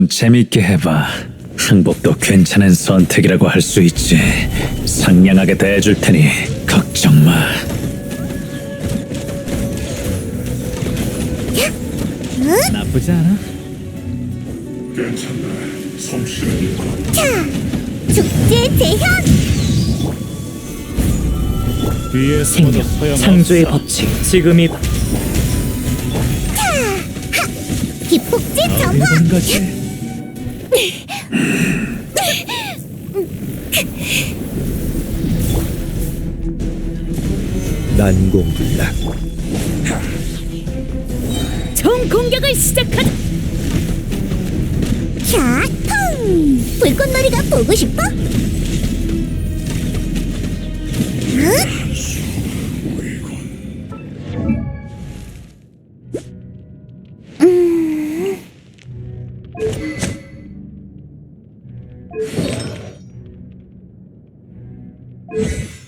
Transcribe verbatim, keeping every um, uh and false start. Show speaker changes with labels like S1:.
S1: 재밌게 해봐. 항복도 괜찮은 선택이라고 할 수 있지. 상냥하게 대해줄 테니 걱정 마. 나쁘지 않아?
S2: 괜찮네. 솜씨는
S3: 자, 축제 재현.
S1: 뒤에
S4: 생명, 창조의 법칙, 지금이 바-
S3: 기폭제 점화.
S1: 이런 거지.
S5: 난공불락.
S3: 총 공격을 시작하자. 자, 펑. 불꽃놀이가 보고 싶어? 응? 음.